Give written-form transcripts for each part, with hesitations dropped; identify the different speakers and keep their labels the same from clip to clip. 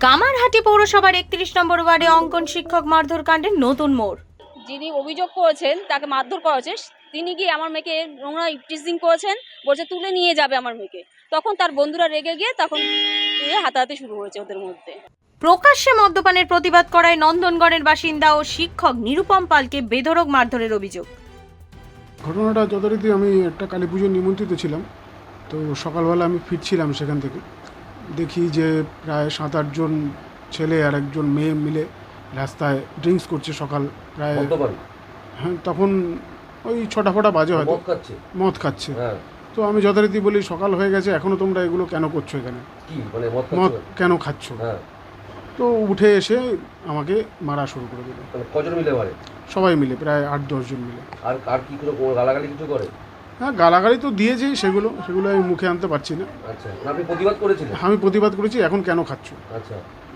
Speaker 1: কামারহাটি পৌরসভার ৩১ নম্বর ওয়ার্ডে অঙ্কন শিক্ষক মারধর কাণ্ডের নতুন মোড়।
Speaker 2: যিনি অভিযোগ করেছেন তাকে মারধর করা হয়েছে, তিনি গিয়ে আমার মেয়েকে নোংরা টিচিং করেছেন, বলছে তুলে নিয়ে যাবে আমার মেয়েকে। তখন তার বন্ধুরা রেগে গিয়ে তখন হাতাহাতি শুরু হয়েছে ওদের মধ্যে।
Speaker 1: প্রকাশ্যে মদ্যপানের প্রতিবাদ করায় নন্দনগড়ের বাসিন্দা ও শিক্ষক নিরুপম পালকে বেধড়ক মারধরের অভিযোগ।
Speaker 3: ঘটনাটা যথারীতি আমি একটা কালী পুজোর নিমন্ত্রিত ছিলাম, তো সকালবেলা আমি ফিরছিলাম সেখান থেকে, দেখি যে প্রায় 7-8 জন ছেলে আর একজন মেয়ে মিলে রাস্তায় ড্রিঙ্কস করছে। সকাল প্রায় হ্যাঁ, তখন ওই 6টা বাজে হয়তো, মদ খাচ্ছে। তো আমি যথারীতি বলি সকাল হয়ে গেছে, এখনও তোমরা এগুলো কেন করছো, এখানে মদ কেন খাচ্ছ? তো উঠে এসে আমাকে মারা শুরু করে দিল।
Speaker 4: কজন মিলে মারে?
Speaker 3: সবাই মিলে, প্রায় 8-10 জন মিলে।
Speaker 4: আর কি করে গালাগালি কিছু করে?
Speaker 3: হ্যাঁ, গালাগালি তো দিয়েছি, সেগুলো আমি মুখে আনতে পারছি না।
Speaker 4: আচ্ছা, আপনি প্রতিবাদ করেছিলেন?
Speaker 3: আমি প্রতিবাদ করেছি, এখন কেন খাচ্ছ।
Speaker 4: আচ্ছা,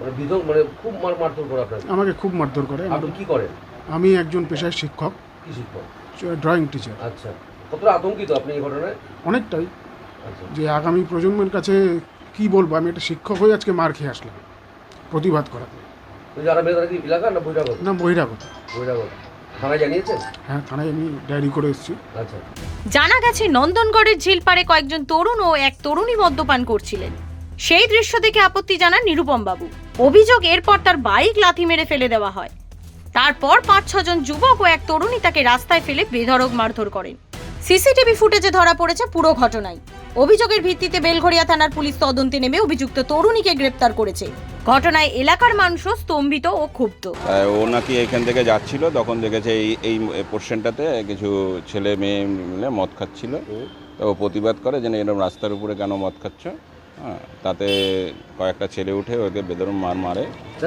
Speaker 4: খুব মারধর করে আপনাকে?
Speaker 3: আমাকে খুব মারধর করে।
Speaker 4: আপনি কি করেন?
Speaker 3: আমি একজন পেশায় শিক্ষক।
Speaker 4: কি শিক্ষক?
Speaker 3: Drawing teacher.
Speaker 4: আচ্ছা, কতটা আতঙ্কিত আপনি এই ঘটনায়?
Speaker 3: অনেকটাই।
Speaker 4: আচ্ছা,
Speaker 3: যে আগামী প্রজন্মের কাছে কি বলবো, আমি একটা শিক্ষক হয়ে আজকে মার খেয়ে আসলাম প্রতিবাদ করাতে।
Speaker 4: যারা মেয়েরা কি এলাকা না বহিরাগত?
Speaker 3: না, বহিরাগত।
Speaker 4: বহিরাগত। থানায় জানিয়েছেন?
Speaker 3: হ্যাঁ, থানায় আমি ডায়েরি করে এসেছি।
Speaker 4: আচ্ছা,
Speaker 1: জানা গেছে নন্দনগড়ের ঝিলপাড়ে কয়েকজন তরুণ ও এক তরুণী মদ্যপান করছিলেন। সেই দৃশ্য দেখে আপত্তি জানান নিরুপম বাবু। অভিযোগ, এরপর তার বাইক লাথি মেরে ফেলে দেওয়া হয়। তারপর 5-6 জন যুবক ও এক তরুণী তাকে রাস্তায় ফেলে বেধড়ক মারধর করেন। সিসিটিভি ফুটেজে ধরা পড়েছে পুরো ঘটনায়। অভিযোগের ভিত্তিতে বেলঘড়িয়া থানার পুলিশ তদন্তে নেমে অভিযুক্ত তরুণীকে গ্রেপ্তার করেছে। ঘটনায় এলাকার মানুষও স্তম্ভিত ও ক্ষুব্ধ।
Speaker 5: ও নাকি এখান থেকে যাচ্ছিল, তখন দেখেছে এই পোর্শনটাতে কিছু ছেলে মেয়ে মিলে মদ খাচ্ছিল। তো ও প্রতিবাদ করে যে এরকম রাস্তার উপরে কেন মদ খাচ্ছ। হ্যাঁ, তাতে কয়েকটা ছেলে উঠে ওকে বেদরম মারে।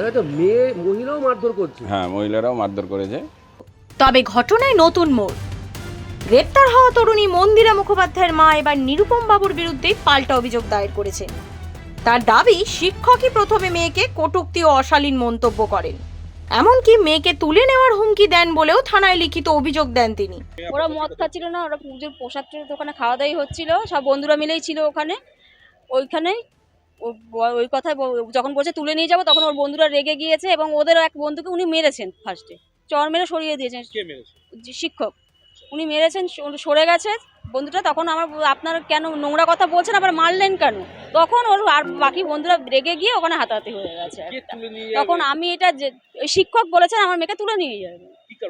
Speaker 4: মহিলাও মারধর করছে?
Speaker 5: হ্যাঁ, মহিলারাও মারধর করেছে।
Speaker 1: তবে ঘটনায় নতুন মোড়। গ্রেপ্তার হওয়া তরুণী মন্দিরা মুখোপাধ্যায়ের মা এবার নিরুপম বাবুর বিরুদ্ধে পাল্টা অভিযোগ দায়ের করেছেন। তার দাবি, শিক্ষকই প্রথমে মেয়েকে কটূক্তি ও অশালীন মন্তব্য করেন, এমনকি মেয়েকে তুলে নেওয়ার হুমকি দেন বলেও থানায় লিখিত অভিযোগ দেন তিনি।
Speaker 2: ওরা মদ খাচ্ছিল না, ওরা পুজোর পোশাকের দোকানে খাওয়া দাওয়াই হচ্ছিল, সব বন্ধুরা মিলেই ছিল ওইখানেই ওই কথায় যখন বলছে তুলে নিয়ে যাবো, তখন ওর বন্ধুরা রেগে গিয়েছে এবং ওদের এক বন্ধুকে উনি মেরেছেন। ফার্স্টে চর মেরে সরিয়ে দিয়েছেন। শিক্ষক উনি মেরেছেন, সরে গেছে বন্ধুটা। তখন আপনার কেন নোংরা কথা বলছেন, আবার মারলেন কেন? তখন ওর আর বাকি বন্ধুরা রেগে গিয়ে ওখানে হাতাহাতি হয়ে গেছে। তখন আমি এটা যে শিক্ষক বলেছেন আমার মেয়েকে তুলে নিয়ে যাবে।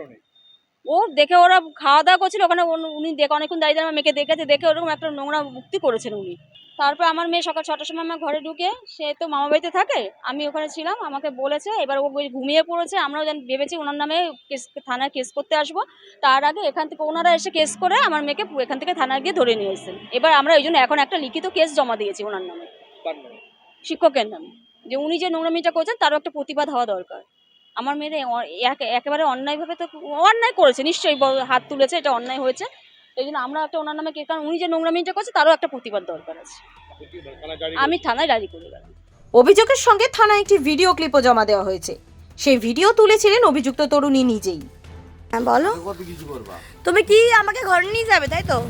Speaker 2: ও দেখে ওরা খাওয়া দাওয়া করছিল ওখানে, উনি দেখে অনেকক্ষণ দাঁড়িয়ে আমার মেয়েকে দেখেছে, দেখে ওরকম একটা নোংরা মুক্তি করেছেন উনি। তারপর আমার মেয়ে সকাল 6টার সময় আমার ঘরে ঢুকে, সে তো মামা বাড়িতে থাকে, আমি ওখানে ছিলাম, আমাকে বলেছে। এবার ও ঘুমিয়ে পড়েছে। আমরাও ভেবেছি ওনার নামে থানায় কেস করতে আসবো। তার আগে এখান থেকে ওনারা এসে কেস করে আমার মেয়েকে এখান থেকে থানায় গিয়ে ধরে নিয়ে এসেছেন। এবার আমরা ওই জন্য এখন একটা লিখিত কেস জমা দিয়েছি ওনার নামে, শিক্ষকের নামে, যে উনি যে নোংরামিটা করছেন তারও একটা প্রতিবাদ হওয়া দরকার। আমার মেয়ের একেবারে অন্যায়ভাবে তো অন্যায় করেছে, নিশ্চয়ই হাত তুলেছে, এটা অন্যায় হয়েছে। এই জন্য আমরা একটা ওনার নামে, কারণ উনি যে নোংরামিটা করছে তারও একটা প্রতিবাদ দরকার আছে। আমি থানায় ডায়েরি করে গেলাম।
Speaker 1: অভিযোগের সঙ্গে থানায় একটি ভিডিও ক্লিপও জমা দেওয়া হয়েছে। সেই ভিডিও তুলেছিলেন অভিযুক্ত তরুণী নিজেই।
Speaker 6: হ্যাঁ বলো, তুমি কি আমাকে ঘরে নিয়ে যাবে, তাই তো?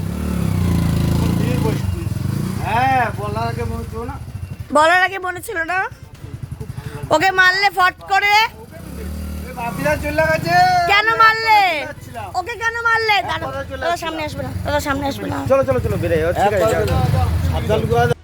Speaker 7: হ্যাঁ,
Speaker 6: বলার আগে মনে ছিল না? ওকে মারলে ফট করে। কেন মারলে ওকে, কেন মারলে? দাদা সামনে আসবে না, দাদা সামনে আসবে না।
Speaker 7: চলো বেরে